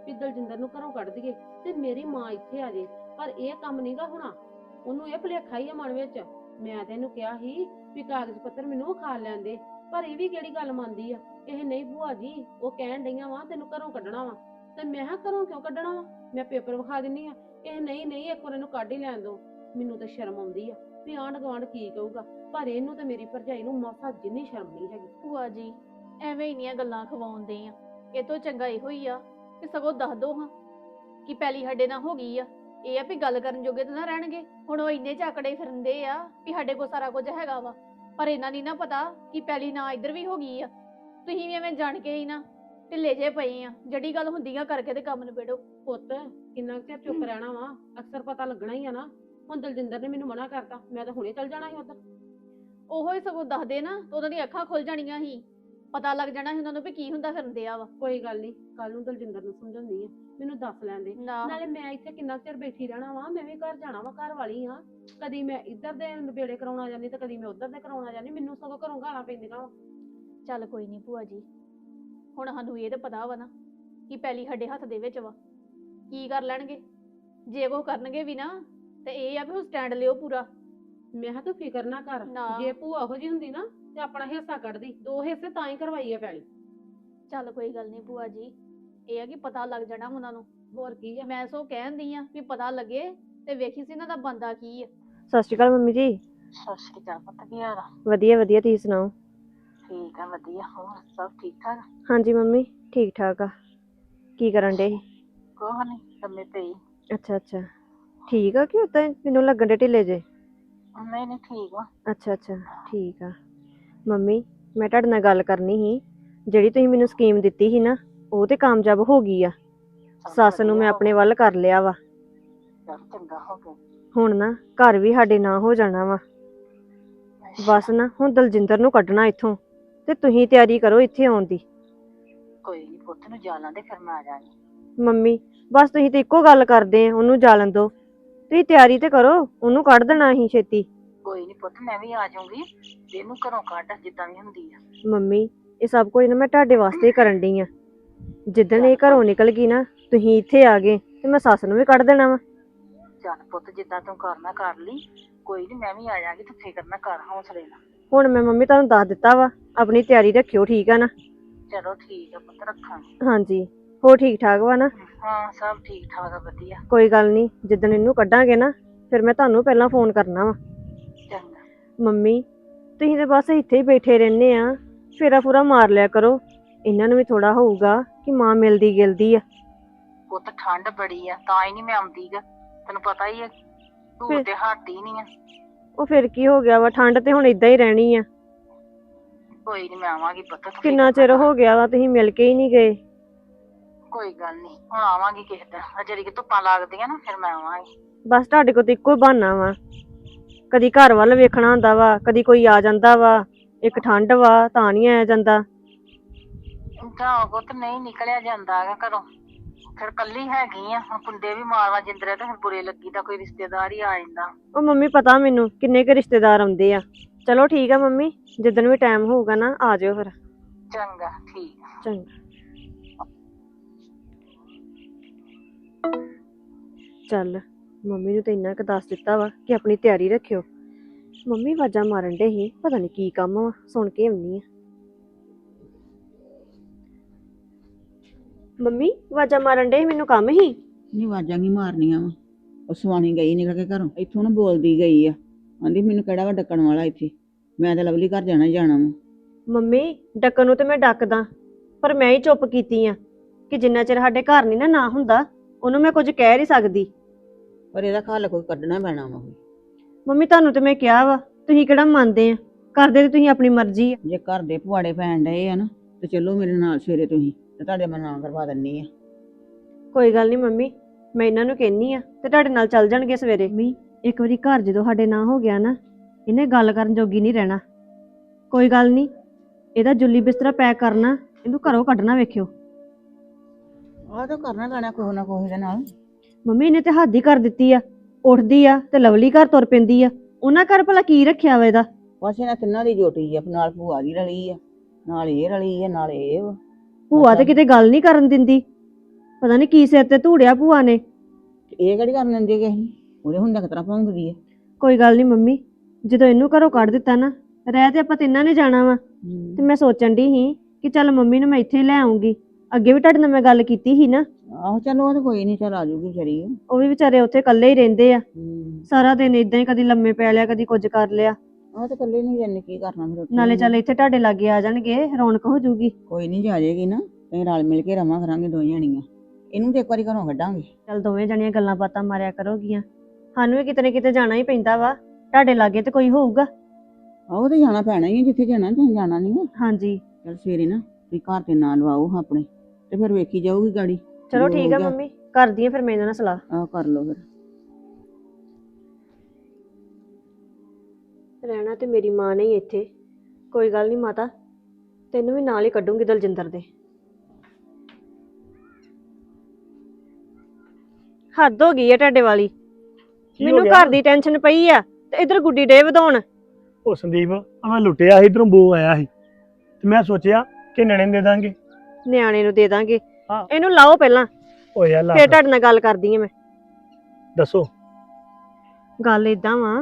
[SPEAKER 3] ਵੀ ਦਲਜਿੰਦਰ ਨੂੰ ਘਰੋਂ ਕੱਢ ਦਈਏ ਤੇ ਮੇਰੀ ਮਾਂ ਇੱਥੇ ਆ ਜੇ, ਪਰ ਇਹ ਕੰਮ ਨਹੀਂਗਾ ਹੋਣਾ। ਉਹਨੂੰ ਇਹ ਭੁਲੇਖਾ ਹੀ ਆ ਮਨ ਵਿੱਚ। ਮੈਂ ਤੈਨੂੰ ਕਿਹਾ ਸੀ ਵੀ ਕਾਗਜ਼ ਪੱਤਰ ਮੈਨੂੰ ਵਿਖਾ ਲੈਂਦੇ, ਪਰ ਇਹ ਵੀ ਕਿਹੜੀ ਗੱਲ ਮੰਨਦੀ ਆ। ਇਹ ਨਹੀਂ ਭੂਆ ਜੀ, ਉਹ ਕਹਿਣ ਡਈਆਂ ਵਾ ਤੈਨੂੰ ਘਰੋਂ ਕੱਢਣਾ ਵਾ। ਤੇ ਮੈਂ ਕਿਹਾ ਘਰੋਂ ਕਿਉਂ ਕੱਢਣਾ ਵਾ, ਮੈਂ ਪੇਪਰ ਵਿਖਾ ਦਿੰਨੀ ਆ। ਇਹ ਨਹੀਂ ਇੱਕ ਵਾਰ ਇਹਨੂੰ ਕੱਢ ਹੀ ਲੈਣ ਦੋ। ਮੈਨੂੰ ਤਾਂ ਸ਼ਰਮ ਆਉਂਦੀ ਆ ਵੀ ਆਂਢ ਗੁਆਂਢ ਕੀ ਕਹੂਗਾ, ਪਰ ਇਹਨੂੰ ਤੇ ਮੇਰੀ ਭਰਜਾਈ ਨੂੰ ਮਾਸਾ ਜਿੰਨੀ ਸ਼ਰਮ ਨਹੀਂ ਹੈਗੀ।
[SPEAKER 4] ਭੂਆ ਜੀ ਐਵੇਂ ਇੰਨੀਆਂ ਗੱਲਾਂ ਖਵਾਉਂਦੇ ਆ, ਇਹ ਤੋਂ ਚੰਗਾ ਇਹੋ ਹੀ ਆ ਕਿ ਸਗੋਂ ਦੱਸ ਦੋ ਹਾਂ ਕਿ ਪਹਿਲੀ ਸਾਡੇ ਨਾਲ ਹੋ ਗਈ ਆ। ਇਹ ਆ ਵੀ ਗੱਲ ਕਰਨ ਜੋਗੇ ਤਾਂ ਨਾ ਰਹਿਣਗੇ। ਹੁਣ ਉਹ ਇੰਨੇ ਝਾਕੜੇ ਫਿਰਦੇ ਆ ਵੀ ਸਾਡੇ ਕੋਲ ਸਾਰਾ ਕੁਝ ਹੈਗਾ ਵਾ, ਪਰ ਇਹਨਾਂ ਨਹੀਂ ਨਾ ਪਤਾ ਕਿ ਪਹਿਲੀ ਨਾ ਇੱਧਰ ਵੀ ਹੋ ਗਈ ਆ। ਤੁਸੀਂ ਵੀ ਐਵੇਂ ਜਾਣ ਕੇ ਹੀ ਨਾ ਢਿੱਲੇ ਜੇ ਪਏ ਆ, ਜਿਹੜੀ ਗੱਲ ਹੁੰਦੀਆਂ ਕਰਕੇ ਤੇ ਕੰਮ ਨਿਬੇੜੋ।
[SPEAKER 3] ਪੁੱਤ ਕਿੰਨਾ ਕੁ ਚਿਰ ਚੁੱਪ ਰਹਿਣਾ ਵਾ, ਅਕਸਰ ਪਤਾ ਲੱਗਣਾ ਹੀ ਆ ਨਾ। ਹੁਣ ਦਲਜਿੰਦਰ ਨੇ ਮੈਨੂੰ ਮਨਾ ਕਰਤਾ, ਮੈਂ ਤਾਂ ਹੁਣੇ ਚੱਲ ਜਾਣਾ ਸੀ ਉੱਧਰ।
[SPEAKER 4] ਉਹੋ ਹੀ ਸਗੋਂ ਦੱਸਦੇ ਨਾ ਤਾਂ ਉਹਨਾਂ ਦੀਆਂ ਅੱਖਾਂ ਖੁੱਲ ਜਾਣੀਆਂ ਸੀ, ਪਤਾ ਲੱਗ ਜਾਣਾ ਸੀ ਉਹਨਾਂ ਨੂੰ ਵੀ ਕੀ ਹੁੰਦਾ ਫਿਰਦੇ ਆ ਵਾ।
[SPEAKER 3] ਕੋਈ ਗੱਲ ਨਹੀਂ, ਕੱਲ ਨੂੰ ਦਲਜਿੰਦਰ ਨੂੰ ਸਮਝਾਉਂਦੀ ਆ, ਮੈਨੂੰ ਦੱਸ ਲੈਂਦੇ।
[SPEAKER 4] ਨਾ
[SPEAKER 3] ਨਾਲੇ ਮੈਂ ਇੱਥੇ ਕਿੰਨਾ ਕੁ ਚਿਰ ਬੈਠੀ ਰਹਿਣਾ ਵਾ, ਮੈਂ ਵੀ ਘਰ ਜਾਣਾ ਵਾ, ਘਰ ਵਾਲੀ ਆ। ਕਦੀ ਮੈਂ ਇੱਧਰ ਦੇ ਨਵੇੜੇ ਕਰਾਉਣਾ ਜਾਂਦੀ ਤੇ ਕਦੀ ਮੈਂ ਉੱਧਰ ਦੇ ਕਰਾਉਣਾ ਜਾਂਦੀ, ਮੈਨੂੰ ਸਗੋਂ ਘਰੋਂ ਗਾਲਾਂ ਪੈਂਦੀਆਂ ਵਾ।
[SPEAKER 4] ਚੱਲ ਕੋਈ ਨਹੀਂ ਭੂਆ ਜੀ, ਹੁਣ ਸਾਨੂੰ ਇਹ ਤਾਂ ਪਤਾ ਵਾ ਨਾ ਕਿ ਪਹਿਲੀ ਸਾਡੇ ਹੱਥ ਦੇ ਵਿੱਚ ਵਾ। ਕੀ ਕਰ ਲੈਣਗੇ, ਜੇ ਉਹ ਕਰਨਗੇ ਵੀ ਨਾ ਤੇ ਇਹ ਆ ਵੀ ਉਹ ਸਟੈਂਡ ਲਿਓ ਪੂਰਾ।
[SPEAKER 3] ਮੈਂ ਕਿਹਾ ਤੂੰ ਫਿਕਰ ਨਾ ਕਰ,
[SPEAKER 4] ਨਾ।
[SPEAKER 3] ਜੇ ਭੂਆ ਉਹੋ ਜੀ ਹੁੰਦੀ ਨਾ ਤੇ ਆਪਣਾ ਹਿੱਸਾ ਕੱਢਦੀ। 2 ਹਿੱਸੇ ਤਾਂ ਹੀ ਕਰਵਾਈ ਆ ਪੈਲੀ।
[SPEAKER 4] ਚੱਲ ਕੋਈ ਗੱਲ ਨਹੀਂ ਭੂਆ ਜੀ, ਇਹ ਆ ਕਿ ਪਤਾ ਲੱਗ ਜਾਣਾ ਉਹਨਾਂ ਨੂੰ।
[SPEAKER 3] ਹੋਰ ਕੀ ਆ।
[SPEAKER 4] ਮੈਂ ਸੋ ਕਹਿੰਦੀ ਆ ਵੀ ਪਤਾ ਲੱਗੇ ਤੇ ਵੇਖੀ ਸੀ ਇਹਨਾਂ ਦਾ ਬੰਦਾ ਕੀ ਆ।
[SPEAKER 5] ਸਤਿ ਸ਼੍ਰੀ ਅਕਾਲ ਮੰਮੀ ਜੀ।
[SPEAKER 1] ਸਤਿ ਸ਼੍ਰੀ ਅਕਾਲ ਪੁੱਤ, ਕੀ ਹਾਲ ਆ?
[SPEAKER 5] ਵਧੀਆ ਵਧੀਆ, ਤੁਸੀਂ ਸੁਣਾਓ?
[SPEAKER 1] ਠੀਕ ਆ ਵਧੀਆ, ਹੋਰ ਸਭ ਠੀਕ ਠਾਕ?
[SPEAKER 5] ਹਾਂਜੀ ਮੰਮੀ ਠੀਕ ਠਾਕ ਆ। ਕੀ ਕਰਨ ਡੇ?
[SPEAKER 1] ਕੋਹ ਨਹੀਂ, ਲੰਮੇ ਪਈ।
[SPEAKER 5] ਅੱਛਾ ਅੱਛਾ, ਠੀਕ ਆ ਕਿ ਉਦਾਂ ਮੈਨੂੰ ਲੱਗਣ ਡੇ ਢਿੱਲੇ ਜੇ?
[SPEAKER 1] ਨਹੀਂ ਠੀਕ ਵਾ।
[SPEAKER 5] ਅੱਛਾ ਅੱਛਾ ਠੀਕ ਆ। ਮੰਮੀ ਮੈਂ ਤੁਹਾਡੇ ਨਾਲ ਗੱਲ ਕਰਨੀ ਸੀ, ਜਿਹੜੀ ਤੁਸੀਂ ਮੈਨੂੰ ਸਕੀਮ ਦਿੱਤੀ ਸੀ ਨਾ ਉਹ ਤੇ ਕਾਮਯਾਬ ਹੋ ਗਈ ਆ। ਸੱਸ ਨੂੰ ਮੈਂ ਆਪਣੇ ਵੱਲ ਕਰ ਲਿਆ ਵਾ।
[SPEAKER 1] ਚੰਗਾ ਹੋ ਗਿਆ।
[SPEAKER 5] ਹੁਣ ਨਾ ਘਰ ਵੀ ਸਾਡੇ ਨਾਂ ਹੋ ਜਾਣਾ ਵਾ। ਬਸ ਨਾ ਹੁਣ ਦਲਜਿੰਦਰ ਨੂੰ ਕੱਢਣਾ ਇੱਥੋਂ, ਤੇ ਤੁਸੀਂ ਤਿਆਰੀ ਕਰੋ ਇੱਥੇ ਆਉਣ ਦੀ।
[SPEAKER 1] ਕੋਈ ਨਹੀਂ ਪੁੱਤ ਨੂੰ ਜਾਲਾਂ ਦੇ, ਫਿਰ ਮੈਂ ਆ ਜਾਣੀ।
[SPEAKER 5] ਮੰਮੀ ਬਸ ਤੁਸੀਂ ਤੇ ਇੱਕੋ ਗੱਲ ਕਰਦੇ ਆ, ਉਹਨੂੰ ਜਾਲਣ ਦੋ। ਤੁਸੀਂ ਤਿਆਰੀ ਤੇ ਕਰੋ, ਉਹਨੂੰ ਕੱਢ ਦੇਣਾ ਅਸੀਂ ਛੇਤੀ।
[SPEAKER 1] ਕੋਈ ਨਹੀਂ ਪੁੱਤ, ਮੈਂ ਵੀ ਆ ਜਾਊਂਗੀ, ਇਹਨੂੰ ਘਰੋਂ ਕੱਢ ਜਿੱਦਾਂ ਵੀ ਹੁੰਦੀ ਆ।
[SPEAKER 5] ਮੰਮੀ ਇਹ ਸਭ ਕੁਝ ਨਾ ਮੈਂ ਤੁਹਾਡੇ ਵਾਸਤੇ ਹੀ ਕਰਨ ਡਈ ਆ। ਜਿੱਦਣ ਇਹ ਘਰੋਂ ਨਿਕਲ ਗਈ ਨਾ, ਤੁਸੀਂ ਇੱਥੇ ਆ ਗਏ ਤੇ ਮੈਂ ਸੱਸ ਨੂੰ ਵੀ ਕੱਢ ਦੇਣਾ ਵਾ।
[SPEAKER 1] ਚੱਲ ਪੁੱਤ, ਜਿੱਦਾਂ ਤੂੰ ਕਰਨਾ ਕਰ ਲਈ, ਕੋਈ ਨਹੀਂ ਮੈਂ ਵੀ ਆ ਜਾਵਾਂਗੀ, ਤੂੰ ਫਿਕਰ ਨਾ ਕਰ, ਹੌਸਲੇ ਨਾਲ।
[SPEAKER 5] ਹੁਣ ਮੈਂ ਮੰਮੀ ਤੁਹਾਨੂੰ ਦੱਸ ਦਿੱਤਾ ਵਾ, ਆਪਣੀ ਤਿਆਰੀ ਰੱਖਿਓ, ਠੀਕ ਆ ਨਾ?
[SPEAKER 1] ਚਲੋ ਠੀਕ ਆ ਪੁੱਤ, ਰੱਖਾਂਗੇ।
[SPEAKER 5] ਹਾਂਜੀ ਹੋਰ ਠੀਕ ਠਾਕ ਵਾ ਨਾ?
[SPEAKER 1] ਹਾਂ ਸਭ ਠੀਕ ਠਾਕ ਆ, ਵਧੀਆ।
[SPEAKER 5] ਕੋਈ ਗੱਲ ਨਹੀਂ, ਜਿੱਦਣ ਇਹਨੂੰ ਕੱਢਾਂਗੇ ਨਾ ਫਿਰ ਮੈਂ ਤੁਹਾਨੂੰ ਪਹਿਲਾਂ ਫੋਨ ਕਰਨਾ ਵਾ।
[SPEAKER 1] ਚੰਗਾ।
[SPEAKER 5] ਮੰਮੀ ਤੁਸੀਂ ਤੇ ਬਸ ਇੱਥੇ ਹੀ ਬੈਠੇ ਰਹਿੰਦੇ ਆ, ਫੇਰਾ ਫੂਰਾ ਮਾਰ ਲਿਆ ਕਰੋ। ਇਹਨਾਂ ਨੂੰ ਵੀ ਥੋੜਾ ਹੋਊਗਾ ਕਿ ਮਾਂ ਮਿਲਦੀ ਗਿਲਦੀ ਆ।
[SPEAKER 1] ਪੁੱਤ ਠੰਡ ਬੜੀ ਆ, ਤਾਂ ਹੀ ਨਹੀਂ ਮੈਂ ਆਉਂਦੀ ਗਾ, ਤੈਨੂੰ ਪਤਾ ਹੀ ਆ, ਧੂੜ ਤੇ ਹਟਦੀ ਨਹੀਂ ਆ।
[SPEAKER 5] ਉਹ ਫਿਰ ਕੀ ਹੋ ਗਿਆ ਵਾ, ਠੰਡ ਤੇ ਹੁਣ ਇਦਾਂ ਹੀ ਰਹਿਣੀ ਆ।
[SPEAKER 1] ਕੋਈ ਨਹੀਂ ਮੈਂ ਆਵਾਂਗੀ ਪੁੱਤ, ਤੂੰ
[SPEAKER 5] ਕਿੰਨਾ
[SPEAKER 1] ਫਿਕਰ
[SPEAKER 5] ਚਿਰ
[SPEAKER 1] ਨਾ ਕਰ।
[SPEAKER 5] ਹੋ ਗਿਆ ਵਾ, ਤੁਸੀਂ ਮਿਲ ਕੇ ਹੀ ਨਹੀਂ ਗਏ।
[SPEAKER 1] ਕੋਈ ਗੱਲ ਨਹੀਂ, ਹੁਣ ਆਵਾਂਗੀ ਕਿਸੇ ਦਿਨ, ਜਿਹੜੀ ਕਿ ਧੁੱਪਾਂ ਲੱਗਦੀਆਂ ਨਾ, ਫਿਰ ਮੈਂ ਆਵਾਂਗੀ।
[SPEAKER 5] ਬਸ ਤੁਹਾਡੇ ਕੋਲ ਤਾਂ ਇੱਕੋ ਹੀ ਬਹਾਨਾ ਵਾ, ਕਦੀ ਘਰ ਵੱਲ ਵੇਖਣਾ ਹੁੰਦਾ ਵਾ, ਕਦੀ ਕੋਈ ਆ ਜਾਂਦਾ ਵਾ। ਇੱਕ ਠੰਡ ਵਾ ਤਾਂ ਨਹੀਂ ਆਇਆ ਜਾਂਦਾ।
[SPEAKER 1] ਤਾਂ ਪੁੱਤ ਨਹੀਂ ਨਿਕਲਿਆ ਜਾਂਦਾ ਹੈਗਾ ਘਰੋਂ, ਫਿਰ ਕੱਲੀ ਹੈਗੀ ਆ। ਹੁਣ ਕੁੰਡੇ ਵੀ ਮਾਰਵਾ ਜਿੰਦਰੇ ਤੇ ਫਿਰ ਬੁਰੇ ਲੱਗੀ ਦਾ, ਕੋਈ ਰਿਸ਼ਤੇਦਾਰ ਹੀ ਆ ਜਾਂਦਾ।
[SPEAKER 5] ਉਹ ਮੰਮੀ ਪਤਾ ਮੈਨੂੰ ਕਿੰਨੇ ਕੁ ਰਿਸ਼ਤੇਦਾਰ ਆਉਂਦੇ ਆ। ਚਲੋ ਠੀਕ ਆ ਮੰਮੀ, ਜਿੱਦਣ ਵੀ ਟਾਈਮ ਹੋਊਗਾ ਨਾ ਆ ਜਾਇਓ ਫਿਰ।
[SPEAKER 1] ਚੰਗਾ ਠੀਕ ਆ।
[SPEAKER 5] ਚੰਗਾ। ਚੱਲ ਮੰਮੀ ਨੂੰ ਤਾਂ ਇੰਨਾ ਕੁ ਦੱਸ ਦਿੱਤਾ ਵਾ ਕਿ ਆਪਣੀ ਤਿਆਰੀ ਰੱਖਿਓ। ਮੰਮੀ ਆਵਾਜ਼ਾਂ ਮਾਰਨ ਡੇ ਸੀ, ਪਤਾ ਨਹੀਂ ਕੀ ਕੰਮ ਵਾ, ਸੁਣ ਕੇ ਆਉਣੀ ਆ। ਮੰਮੀ ਆਵਾਜ਼ਾਂ ਮਾਰਨ ਡੇ ਸੀ, ਮੈਨੂੰ ਕੰਮ ਸੀ।
[SPEAKER 1] ਨਹੀਂ ਆਵਾਜ਼ਾਂ ਕੀ ਮਾਰਨੀਆਂ ਵਾ, ਉਹ ਸਵਾਣੀ ਗਈ ਨਿਕਲ ਕੇ ਘਰੋਂ, ਇੱਥੋਂ ਨਾ ਬੋਲਦੀ ਗਈ ਆ, ਆਂਦੀ ਮੈਨੂੰ ਕਿਹੜਾ ਵਾ ਡੱਕਣ ਵਾਲਾ ਇੱਥੇ, ਮੈਂ ਤਾਂ ਲਵਲੀ ਘਰ ਜਾਣਾ ਹੀ ਜਾਣਾ ਵਾ।
[SPEAKER 5] ਮੰਮੀ ਡੱਕਣ ਨੂੰ ਤੇ ਮੈਂ ਡੱਕਦਾ, ਪਰ ਮੈਂ ਹੀ ਚੁੱਪ ਕੀਤੀ ਆ ਕਿ ਜਿੰਨਾ ਚਿਰ ਸਾਡੇ ਘਰ ਨਹੀਂ ਨਾ ਹੁੰਦਾ ਉਹਨੂੰ ਮੈਂ ਕੁਝ ਕਹਿ ਨਹੀਂ ਸਕਦੀ।
[SPEAKER 1] ਪਰ ਇਹਦਾ ਖੱਲ ਕੋਈ ਕੱਢਣਾ ਪੈਣਾ ਵਾ।
[SPEAKER 5] ਮੰਮੀ ਤੁਹਾਨੂੰ ਤੇ ਮੈਂ ਕਿਹਾ ਵਾ, ਤੁਸੀਂ ਕਿਹੜਾ ਮੰਨਦੇ ਆ, ਕਰਦੇ ਤੇ ਤੁਸੀਂ ਆਪਣੀ ਮਰਜ਼ੀ ਆ।
[SPEAKER 1] ਜੇ ਘਰ ਦੇ ਪੁਆੜੇ ਪੈਣ ਡਏ ਆ ਨਾ ਤੇ ਚਲੋ ਮੇਰੇ ਨਾਲ ਸਵੇਰੇ ਤੁਸੀਂ, ਤੇ ਤੁਹਾਡੇ ਮੈਂ ਨਾਂ ਕਰਵਾ ਦਿੰਨੀ ਆ।
[SPEAKER 5] ਕੋਈ ਗੱਲ ਨਹੀਂ ਮੰਮੀ, ਮੈਂ ਇਹਨਾਂ ਨੂੰ ਕਹਿੰਨੀ ਆ ਤੇ ਤੁਹਾਡੇ ਨਾਲ ਚੱਲ ਜਾਣਗੇ ਸਵੇਰੇ। ਮੰਮੀ ਇੱਕ ਵਾਰੀ ਘਰ ਜਦੋਂ ਸਾਡੇ ਨਾਂ ਹੋ ਗਿਆ ਨਾ, ਇਹਨੇ ਗੱਲ ਕਰਨ ਜੋਗੀ ਨਹੀਂ ਰਹਿਣਾ। ਕੋਈ ਗੱਲ ਨਹੀਂ, ਇਹਦਾ ਜੁੱਲੀ ਬਿਸਤਰਾ ਪੈਕ ਕਰਨਾ, ਇਹਨੂੰ ਘਰੋਂ ਕੱਢਣਾ ਵੇਖਿਓ।
[SPEAKER 1] ਆਹ ਤਾਂ ਕਰਨਾ ਪੈਣਾ ਕੋਈ ਨਾ ਕੋਈ ਦੇ ਨਾਲ।
[SPEAKER 5] ਮੰਮੀ ਇਹਨੇ ਤੇ ਹੱਦ ਹੀ ਕਰ ਦਿੱਤੀ ਆ, ਉੱਠਦੀ ਆ ਤੇ ਲਵਲੀ ਘਰ ਤੁਰ ਪੈਂਦੀ ਆ। ਉਹਨਾਂ ਘਰ ਭਲਾ ਕੀ ਰੱਖਿਆ ਵਾ ਇਹਦਾ?
[SPEAKER 1] ਬਸ ਇਹਨਾਂ ਤਿੰਨਾਂ ਦੀ ਜੋਟੀ ਆ, ਨਾਲ ਭੂਆ ਦੀ ਰਲੀ ਆ, ਨਾਲ ਇਹ ਰਲੀ ਆ, ਨਾਲ ਇਹ ਵਾ।
[SPEAKER 5] ਭੂਆ ਤੇ ਕਿਤੇ ਗੱਲ ਨਹੀਂ ਕਰਨ ਦਿੰਦੀ, ਪਤਾ ਨਹੀਂ ਕੀ ਸਿਰ ਤੇ ਧੂੜਿਆ ਭੂਆ ਨੇ।
[SPEAKER 1] ਤੇ ਇਹ ਕਿਹੜੀ ਕਰਨ ਦਿੰਦੀ ਕਿ ਅਸੀਂ ਉਹਦੇ ਹੁੰਦਾ ਕਿਤਰਾ ਭੌਂਕਦੀ ਹੈ।
[SPEAKER 5] ਕੋਈ ਗੱਲ ਨਹੀਂ ਮੰਮੀ, ਜਦੋਂ ਇਹਨੂੰ ਘਰੋਂ ਕੱਢ ਦਿੱਤਾ ਨਾ, ਰਹਿ ਤੇ ਆਪਾਂ ਤਿੰਨਾਂ ਨੇ ਜਾਣਾ ਵਾ। ਤੇ ਮੈਂ ਸੋਚਣ ਦੀ ਸੀ ਕਿ ਚੱਲ ਮੰਮੀ ਨੂੰ ਮੈਂ ਇੱਥੇ ਲੈ ਆਉਂਗੀ। ਅੱਗੇ ਵੀ ਤੁਹਾਡੇ ਨਾਲ ਮੈਂ ਗੱਲ ਕੀਤੀ ਸੀ ਨਾ।
[SPEAKER 1] ਆਹੋ ਚਲੋ ਉਹ ਤਾਂ ਕੋਈ ਨਹੀਂ, ਚੱਲ ਆ ਜੂਗੀ ਵਿਚਾਰੀ।
[SPEAKER 5] ਉਹ ਵੀ ਵਿਚਾਰੇ ਉੱਥੇ ਇਕੱਲੇ ਹੀ ਰਹਿੰਦੇ ਆ,
[SPEAKER 1] ਹੂੰ
[SPEAKER 5] ਸਾਰਾ ਦਿਨ ਇਦਾਂ ਹੀ, ਕਦੀ ਲੰਮੇ ਪੈ ਲਿਆ, ਕਦੀ ਕੁਝ ਕਰ ਲਿਆ।
[SPEAKER 1] ਆਹ ਤੇ ਇਕੱਲੇ ਨਹੀਂ ਜਾਣੇ, ਕੀ ਕਰਨਾ ਫਿਰ ਉੱਥੇ।
[SPEAKER 5] ਨਾਲੇ ਚੱਲ ਇੱਥੇ ਤੁਹਾਡੇ ਲਾਗੇ ਆ ਜਾਣਗੇ, ਰੌਣਕ ਹੋ ਜਾਊਗੀ।
[SPEAKER 1] ਕੋਈ ਨਹੀਂ, ਜਾ ਜਾਏਗੀ ਨਾ, ਅਸੀਂ ਰਲ ਮਿਲ ਕੇ ਰਵਾਂ ਕਰਾਂਗੇ ਦੋ ਜਣੀਆਂ। ਇਹਨੂੰ ਤੇ ਇੱਕ ਵਾਰੀ ਘਰੋਂ ਕੱਢਾਂਗੇ।
[SPEAKER 5] ਚੱਲ ਦੋਵੇਂ ਜਣੀਆਂ ਗੱਲਾਂ ਬਾਤਾਂ ਮਾਰਿਆ ਕਰੋਗੀਆਂ। ਸਾਨੂੰ ਵੀ ਕਿਤੇ ਨਾ ਕਿਤੇ ਜਾਣਾ ਹੀ ਪੈਂਦਾ ਵਾ, ਤੁਹਾਡੇ ਲਾਗੇ ਤੇ ਕੋਈ ਹੋਊਗਾ।
[SPEAKER 1] ਆਹੋ ਤੇ ਜਾਣਾ ਪੈਣਾ ਹੀ ਆ, ਜਿੱਥੇ ਜਾਣਾ ਜਾਣਾ ਨਹੀਂ ਆ।
[SPEAKER 5] ਹਾਂਜੀ
[SPEAKER 1] ਚੱਲ ਸਵੇਰੇ ਨਾ ਤੁਸੀਂ ਘਰ ਤੇ ਨਾਂ ਲਵਾਓ ਆਪਣੇ, ਤੇ ਫਿਰ ਵੇਖੀ ਜਾਊਗੀ ਗਾੜੀ।
[SPEAKER 5] ਚਲੋ
[SPEAKER 1] ਜੋ
[SPEAKER 5] ਠੀਕ ਆ
[SPEAKER 1] ਹੋਊਗਾ।
[SPEAKER 5] ਮੰਮੀ, ਕਰਦੀ ਆ ਫਿਰ ਮੈਂ ਇਹਨਾਂ ਨਾਲ ਸਲਾਹ।
[SPEAKER 1] ਆਹ ਕਰ ਲਓ ਫਿਰ।
[SPEAKER 5] ਰਹਿਣਾ ਤੇ ਮੇਰੀ ਮਾਂ ਨੇ ਹੀ ਇੱਥੇ। ਕੋਈ ਗੱਲ ਨਹੀਂ ਮਾਤਾ, ਤੈਨੂੰ ਵੀ ਨਾਲ ਹੀ ਕੱਢੂੰਗੀ ਦਲਜਿੰਦਰ ਦੇ। ਹੱਦ ਹੋ ਗਈ ਆ ਤੁਹਾਡੇ ਵਾਲੀ।
[SPEAKER 6] ਕੀ ਹੋ
[SPEAKER 5] ਮੈਨੂੰ
[SPEAKER 6] ਗਿਆ?
[SPEAKER 5] ਘਰ ਦੀ ਟੈਨਸ਼ਨ ਪਈ ਆ ਤੇ ਇਧਰ ਗੁੱਡੀ ਡੇ ਵਧਾਉਣ।
[SPEAKER 6] ਉਹ ਸੰਦੀਪ ਆ ਮੈਂ ਲੁੱਟਿਆ ਸੀ, ਇਧਰੋਂ ਬੋ ਆਇਆ ਸੀ ਤੇ ਮੈਂ ਸੋਚਿਆ ਕਿ ਨਿਆਣੇ ਨੂੰ ਦੇ ਦਾਂਗੇ।
[SPEAKER 5] ਨਿਆਣੇ ਨੂੰ ਦੇ ਦਾਂਗੇ,
[SPEAKER 6] ਹਾਂ।
[SPEAKER 5] ਇਹਨੂੰ ਲਾਓ ਪਹਿਲਾਂ,
[SPEAKER 6] ਓ ਯਾਰ ਲਾ
[SPEAKER 5] ਫਿਰ ਤੁਹਾਡੇ ਨਾਲ ਗੱਲ ਕਰਦੀ ਆ ਮੈਂ।
[SPEAKER 6] ਦੱਸੋ।
[SPEAKER 5] ਗੱਲ ਏਦਾਂ ਵਾ,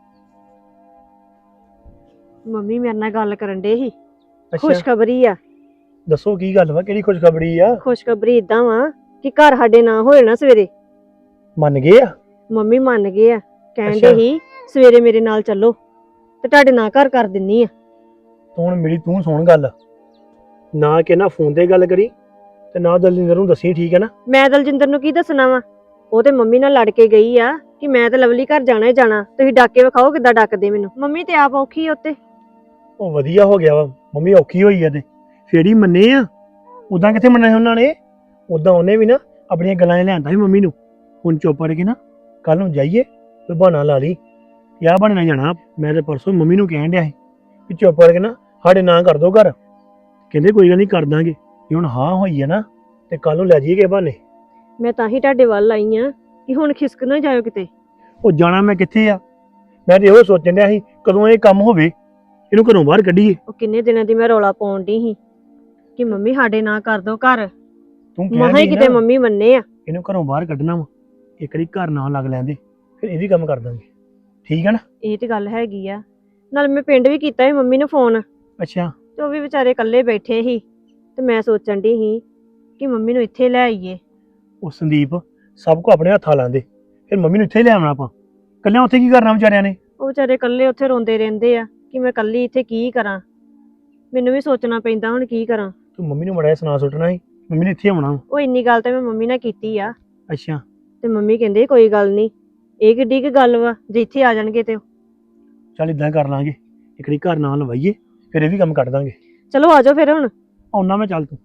[SPEAKER 5] ਮੰਮੀ ਮੇਰੇ ਨਾਲ ਗੱਲ ਕਰਨ ਡੇ ਸੀ।
[SPEAKER 6] ਅੱਛਾ
[SPEAKER 5] ਖੁਸ਼ਖਬਰੀ ਆ।
[SPEAKER 6] ਦੱਸੋ ਕੀ ਗੱਲ ਵਾ, ਕਿਹੜੀ ਖੁਸ਼ਖਬਰੀ ਆ?
[SPEAKER 5] ਖੁਸ਼ਖਬਰੀ ਏਦਾਂ ਵਾ ਕਿ ਘਰ ਸਾਡੇ ਨਾ ਹੋਏ ਨਾ ਸਵੇਰੇ।
[SPEAKER 6] ਮੰਨ ਗਏ ਆ?
[SPEAKER 5] ਮੰਮੀ ਮੰਨ ਗਏ ਆ, ਕਹਿੰਦੇ
[SPEAKER 6] ਅੱਛਾ।
[SPEAKER 5] ਸੀ ਸਵੇਰੇ ਮੇਰੇ ਨਾਲ ਚੱਲੋ ਤੇ ਤੁਹਾਡੇ ਨਾਲ ਘਰ ਕਰ ਦਿੰਨੀ ਆ।
[SPEAKER 6] ਤੂੰ ਹੁਣ ਮੇਰੀ ਤੂੰ ਸੁਣ ਗੱਲ, ਨਾ ਕਿ ਨਾ ਫੋਨ ਤੇ ਗੱਲ ਕਰੀ ਤੇ ਨਾ ਦਲਜਿੰਦਰ ਨੂੰ ਦੱਸੀ, ਠੀਕ ਹੈ ਨਾ?
[SPEAKER 5] ਮੈਂ ਦਲਜਿੰਦਰ ਨੂੰ ਕੀ ਦੱਸਣਾ ਵਾ, ਉਹ ਤੇ ਮੰਮੀ ਨਾਲ ਲੜ ਕੇ ਗਈ ਆ ਕਿ ਮੈਂ ਤੇ ਲਵਲੀ ਘਰ ਜਾਣਾ ਹੀ ਜਾਣਾ। ਤੁਸੀਂ ਡਾਕੇ ਵਿਖਾਓ ਕਿੱਦਾਂ ਡੱਕਦੇ ਮੈਨੂੰ। ਮੰਮੀ ਤੇ ਆਪ ਔਖੀ ਉੱਤੇ।
[SPEAKER 6] ਉਹ ਵਧੀਆ ਹੋ ਗਿਆ ਵਾ, ਮੰਮੀ ਔਖੀ ਹੋਈ ਆ ਤੇ ਫੇਰ ਹੀ ਮੰਨੇ ਆ। ਉਦਾਂ ਕਿੱਥੇ ਮੰਨਣਾ ਸੀ ਉਹਨਾਂ ਨੇ? ਉਦਾਂ ਉਹਨੇ ਵੀ ਨਾ ਆਪਣੀਆਂ ਗੱਲਾਂ 'ਚ ਲਿਆਂਦਾ ਸੀ ਮੰਮੀ ਨੂੰ। ਹੁਣ ਚੁੱਪ ਕਰਕੇ ਨਾ ਕੱਲ ਨੂੰ ਜਾਈਏ, ਕੋਈ ਬਹਾਨਾ ਲਾ ਲਈ, ਯਾ ਬਹਾਨੇ ਨਾਲ ਜਾਣਾ। ਮੈਂ ਤੇ ਪਰਸੋਂ ਮੰਮੀ ਨੂੰ ਕਹਿਣ ਡਿਆ ਸੀ ਵੀ ਚੁੱਪ ਕਰਕੇ ਨਾ ਸਾਡੇ ਨਾਂ ਕਰ ਦੋ ਘਰ। ਕਹਿੰਦੇ ਕੋਈ ਗੱਲ ਨਹੀਂ ਕਰ ਦਾਂਗੇ। ਜੇ ਹੁਣ ਹਾਂ ਹੋਈ ਹੈ ਨਾ ਤੇ ਕੱਲ ਨੂੰ ਲੈ ਜਾਈਏ ਕਿਸੇ ਬਹਾਨੇ।
[SPEAKER 5] ਮੈਂ ਤਾਂ ਹੀ ਤੁਹਾਡੇ ਵੱਲ ਆਈ ਆ ਕਿ ਹੁਣ ਖਿਸਕ ਨਾ ਜਾਇਓ ਕਿਤੇ।
[SPEAKER 6] ਉਹ ਜਾਣਾ ਮੈਂ ਕਿੱਥੇ ਆ? ਮੈਂ ਤੇ ਇਹੋ ਸੋਚਣ ਡਿਆ ਸੀ ਕਦੋਂ ਇਹ ਕੰਮ ਹੋਵੇ, ਇਹਨੂੰ ਘਰੋਂ ਬਾਹਰ ਕੱਢੀਏ।
[SPEAKER 5] ਉਹ ਕਿੰਨੇ ਦਿਨਾਂ ਦੀ ਮੈਂ ਰੌਲਾ ਪਾਉਣ ਡਈ ਸੀ ਕਿ ਮੰਮੀ ਸਾਡੇ ਨਾਂ ਕਰ ਦੋ ਘਰ।
[SPEAKER 6] ਤੂੰ
[SPEAKER 5] ਮਹਾਂ
[SPEAKER 6] ਕਹਿ
[SPEAKER 5] ਹੀ ਕਿਤੇ ਮੰਮੀ ਮੰਨੇ ਆ।
[SPEAKER 6] ਇਹਨੂੰ ਘਰੋਂ ਬਾਹਰ ਕੱਢਣਾ ਵਾ, ਇੱਕ ਵਾਰੀ ਘਰ ਨਾ ਲੱਗ ਲੈਂਦੇ ਫਿਰ ਇਹ ਵੀ ਕੰਮ ਕਰ ਦਾਂਗੇ, ਠੀਕ ਹੈ ਨਾ?
[SPEAKER 5] ਇਹ ਤੇ ਗੱਲ ਹੈਗੀ ਆ। ਨਾਲ ਮੈਂ ਪਿੰਡ ਵੀ ਕੀਤਾ ਸੀ ਮੰਮੀ ਨੂੰ ਫੋਨ,
[SPEAKER 6] ਅੱਛਾ
[SPEAKER 5] ਤੇ ਉਹ ਵੀ ਵਿਚਾਰੇ ਇਕੱਲੇ ਬੈਠੇ ਸੀ ਤੇ ਮੈਂ ਸੋਚਣ ਡਈ ਸੀ ਕਿ ਮੰਮੀ ਨੂੰ ਇੱਥੇ ਲੈ ਆਈਏ।
[SPEAKER 6] ਉਹ ਸੰਦੀਪ ਸਭ ਕੋ ਆਪਣੇ ਹੱਥਾਂ ਲਾਉਂਦੇ, ਫਿਰ ਮੰਮੀ ਨੂੰ ਇੱਥੇ ਲੈ ਆਉਣਾ ਆਪਾਂ। ਕੱਲਿਆਂ ਉੱਥੇ ਕੀ ਕਰਨਾ ਵਿਚਾਰਿਆਂ ਨੇ?
[SPEAKER 5] ਉਹ ਵਿਚਾਰੇ ਇਕੱਲੇ ਉੱਥੇ ਰੋਂਦੇ ਰਹਿੰਦੇ ਆ ਕਿ ਮੈਂ ਇਕੱਲੀ ਇੱਥੇ ਕੀ ਕਰਾਂ। ਮੈਨੂੰ ਵੀ ਸੋਚਣਾ ਪੈਂਦਾ ਹੁਣ ਕੀ ਕਰਾਂ।
[SPEAKER 6] ਤੂੰ ਮੰਮੀ ਨੂੰ ਮੜਾ ਜਿਹਾ ਸੁਣਾ ਸੁੱਟਣਾ ਸੀ, ਮੰਮੀ ਨੇ ਇੱਥੇ ਆਉਣਾ ਵਾ।
[SPEAKER 5] ਉਹ ਇੰਨੀ ਗੱਲ ਤਾਂ ਮੈਂ ਮੰਮੀ ਨਾਲ ਕੀਤੀ ਆ,
[SPEAKER 6] ਅੱਛਾ
[SPEAKER 5] ਤੇ ਮੰਮੀ ਕਹਿੰਦੇ ਕੋਈ ਗੱਲ ਨਹੀਂ, ਇਹ ਕਿੱਡੀ ਕੁ ਗੱਲ ਵਾ ਜੇ ਇੱਥੇ ਆ ਜਾਣਗੇ ਤੇ।
[SPEAKER 6] ਚੱਲ ਇਦਾਂ ਕਰ ਲਾਂਗੇ, ਇੱਕ ਵਾਰੀ ਘਰ ਨਾਲ ਲਵਾਈਏ, ਫਿਰ ਇਹ ਵੀ ਕੰਮ ਕੱਢ ਦਾਂਗੇ।
[SPEAKER 5] ਚਲੋ ਆ ਜਾਓ ਫਿਰ ਹੁਣ।
[SPEAKER 6] ਆਉਣਾ ਮੈਂ, ਚੱਲ ਤੂੰ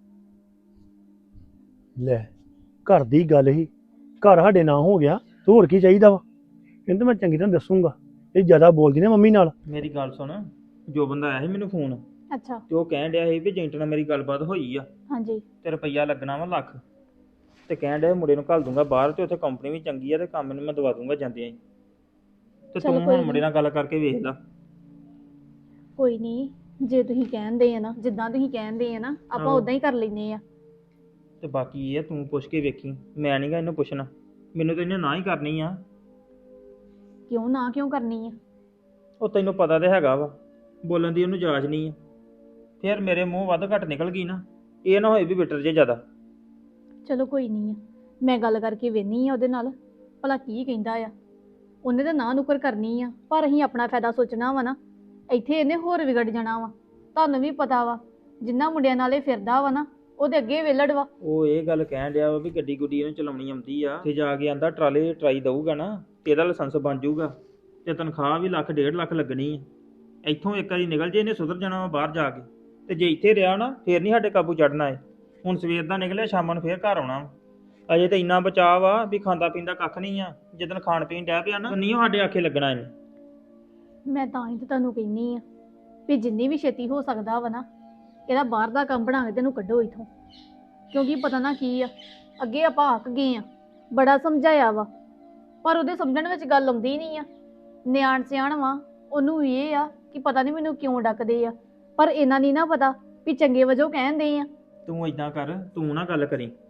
[SPEAKER 6] ਲੈ। ਘਰ ਦੀ ਗੱਲ ਹੀ, ਘਰ ਸਾਡੇ ਨਾਂ ਹੋ ਗਿਆ, ਤੂੰ ਹੋਰ ਕੀ ਚਾਹੀਦਾ ਵਾ? ਕਹਿੰਦੇ ਮੈਂ ਚੰਗੀ ਤਰ੍ਹਾਂ ਦੱਸੂਗਾ। ਇਹ ਜ਼ਿਆਦਾ ਬੋਲਦੀ ਨਾ ਮੰਮੀ ਨਾਲ।
[SPEAKER 7] ਮੇਰੀ ਗੱਲ ਸੁਣ, ਜੋ ਬੰਦਾ ਆਇਆ ਸੀ ਮੈਨੂੰ ਫੋਨ,
[SPEAKER 2] ਅੱਛਾ
[SPEAKER 7] ਤੇ ਉਹ ਕਹਿਣ ਡਿਆ ਸੀ ਵੀ ਏਜੰਟ ਨਾਲ ਮੇਰੀ ਗੱਲਬਾਤ ਹੋਈ ਆ
[SPEAKER 2] ਹਾਂਜੀ
[SPEAKER 7] ਤੇ ਰੁਪਈਆ ਲੱਗਣਾ ਵਾ ਲੱਖ, ਤੇ ਕਹਿਣ ਡਿਆ ਮੁੰਡੇ ਨੂੰ ਘੱਲ ਦੂੰਗਾ ਬਾਹਰ, ਤੇ ਉੱਥੇ ਕੰਪਨੀ ਵੀ ਚੰਗੀ ਆ ਤੇ ਕੰਮ ਨੂੰ ਮੈਂ ਦਵਾ ਦੂੰਗਾ ਜਾਂਦਿਆਂ ਹੀ। ਤੇ
[SPEAKER 2] ਚੱਲ
[SPEAKER 7] ਤੂੰ
[SPEAKER 2] ਕੋਈ
[SPEAKER 7] ਹੁਣ ਮੁੰਡੇ ਨਾਲ ਗੱਲ ਕਰਕੇ ਵੇਖ ਲੈ।
[SPEAKER 2] ਕੋਈ ਨਹੀਂ, ਜੇ ਤੁਸੀਂ ਕਹਿੰਦੇ ਆ ਨਾ, ਜਿੱਦਾਂ ਤੁਸੀਂ ਕਹਿੰਦੇ ਆ ਨਾ, ਆਪਾਂ
[SPEAKER 7] ਆਹੋ।
[SPEAKER 2] ਉਦਾਂ ਹੀ ਕਰ ਲੈਨੇ ਆ।
[SPEAKER 7] ਤੇ ਬਾਕੀ ਇਹ ਆ, ਤੂੰ ਪੁੱਛ ਕੇ ਵੇਖੀ, ਮੈਂ ਨਹੀਂਗਾ ਇਹਨੂੰ ਪੁੱਛਣਾ, ਮੈਨੂੰ ਤਾਂ ਇਹਨੇ ਨਾ ਹੀ ਕਰਨੀ ਆ।
[SPEAKER 2] ਕਿਉਂ ਨਾ ਕਿਉਂ ਕਰਨੀ ਆ?
[SPEAKER 7] ਉਹ ਤੈਨੂੰ ਪਤਾ ਤੇ ਹੈਗਾ ਵਾ, ਬੋਲਣ ਦੀ ਉਹਨੂੰ ਜਾਚ ਨਹੀਂ ਆ। ਫਿਰ ਮੇਰੇ ਮੂੰਹ ਵੱਧ ਘੱਟ ਨਿਕਲ ਗਈ ਨਾ, ਇਹ ਨਾ ਹੋਏ ਵੀ ਬਿਟਰ ਜੇ ਜ਼ਿਆਦਾ।
[SPEAKER 2] ਚਲੋ ਕੋਈ ਨਹੀਂ ਆ, ਮੈਂ ਗੱਲ ਕਰਕੇ ਵੇਖਨੀ ਆ ਉਹਦੇ ਨਾਲ, ਭਲਾ ਕੀ ਕਹਿੰਦਾ ਆ। ਉਹਨੇ ਤਾਂ ਨਾ ਨੁਕਰ ਕਰਨੀ ਆ, ਪਰ ਅਸੀਂ ਆਪਣਾ ਫਾਇਦਾ ਸੋਚਣਾ ਵਾ ਨਾ। ਇੱਥੇ ਇਹਨੇ ਹੋਰ ਵਿਗੜ ਜਾਣਾ ਵਾ। ਤੁਹਾਨੂੰ ਵੀ ਪਤਾ ਵਾ, ਜਿੰਨਾ ਮੁੰਡਿਆਂ ਨਾਲੇ ਫਿਰਦਾ ਵਾ ਨਾ, ਉਹਦੇ ਅੱਗੇ ਵਿਹਲੜ ਵਾ।
[SPEAKER 7] ਉਹ ਇਹ ਗੱਲ ਕਹਿਣ ਡਿਆ ਵਾ ਵੀ ਗੱਡੀ ਗੁੱਡੀ ਇਹਨੂੰ ਚਲਾਉਣੀ ਆਉਂਦੀ ਆ, ਤੇ ਜਾ ਕੇ ਆਂਦਾ ਟਰਾਲੇ ਟਰਾਈ ਦਊਗਾ ਨਾ ਤੇ ਇਹਦਾ ਲਾਇਸੈਂਸ ਬਣ ਜਾਊਗਾ, ਤੇ ਤਨਖਾਹ ਵੀ ਲੱਖ 1.5 ਲੱਖ ਲੱਗਣੀ ਆ। ਇੱਥੋਂ ਇੱਕ ਵਾਰੀ ਨਿਕਲ ਜੇ ਇਹਨੇ ਸੁਧਰ ਜਾਣਾ ਵਾ ਬਾਹਰ ਜਾ ਕੇ, ਤੇ ਜੇ ਇੱਥੇ ਰਿਹਾ ਨਾ ਫੇਰ ਨਹੀਂ ਸਾਡੇ ਕਾਬੂ ਚੜਨਾ ਏ। ਹੁਣ ਸਵੇਰ ਦਾ ਨਿਕਲਿਆ, ਸ਼ਾਮਾਂ ਨੂੰ ਫੇਰ ਘਰ ਆਉਣਾ ਵਾ। ਅਜੇ ਤਾਂ ਇੰਨਾ ਬਚਾਅ ਵਾ ਵੀ ਖਾਂਦਾ ਪੀਂਦਾ ਕੱਖ ਨਹੀਂ ਆ। ਜਦੋਂ ਖਾਣ ਪੀਣ ਡਿਆ ਪਿਆ ਨਾ, ਨਹੀਂ ਉਹ ਸਾਡੇ ਆਖੇ ਲੱਗਣਾ ਇਹਨੇ।
[SPEAKER 2] ਮੈਂ ਤਾਂ ਹੀ ਤਾਂ ਤੁਹਾਨੂੰ ਕਹਿੰਨੀ ਆ ਵੀ ਜਿੰਨੀ ਵੀ ਛੇਤੀ ਹੋ ਸਕਦਾ ਵਾ ਨਾ, ਇਹਦਾ ਬਾਹਰ ਦਾ ਕੰਮ ਬਣਾ ਕੇ ਤੈਨੂੰ ਕੱਢੋ ਇੱਥੋਂ। ਕਿਉਂਕਿ ਪਤਾ ਨਾ ਕੀ ਆ, ਅੱਗੇ ਆਪਾਂ ਆਕ ਗਏ ਆ, ਬੜਾ ਸਮਝਾਇਆ ਵਾ, ਪਰ ਉਹਦੇ ਸਮਝਣ ਵਿੱਚ ਗੱਲ ਆਉਂਦੀ ਨਹੀਂ ਆ। ਨਿਆਣ ਸਿਆਣ ਵਾ, ਉਹਨੂੰ ਵੀ ਇਹ ਆ ਕਿ ਪਤਾ ਨਹੀਂ ਮੈਨੂੰ ਕਿਉਂ ਡੱਕਦੇ ਆ, ਪਰ ਇਹਨਾਂ ਨਹੀਂ ਨਾ ਪਤਾ ਵੀ ਚੰਗੇ ਵਜੋਂ ਕਹਿੰਦੇ ਆ।
[SPEAKER 7] ਤੂੰ ਇਦਾਂ ਕਰ, ਤੂੰ ਨਾ ਗੱਲ ਕਰੀ,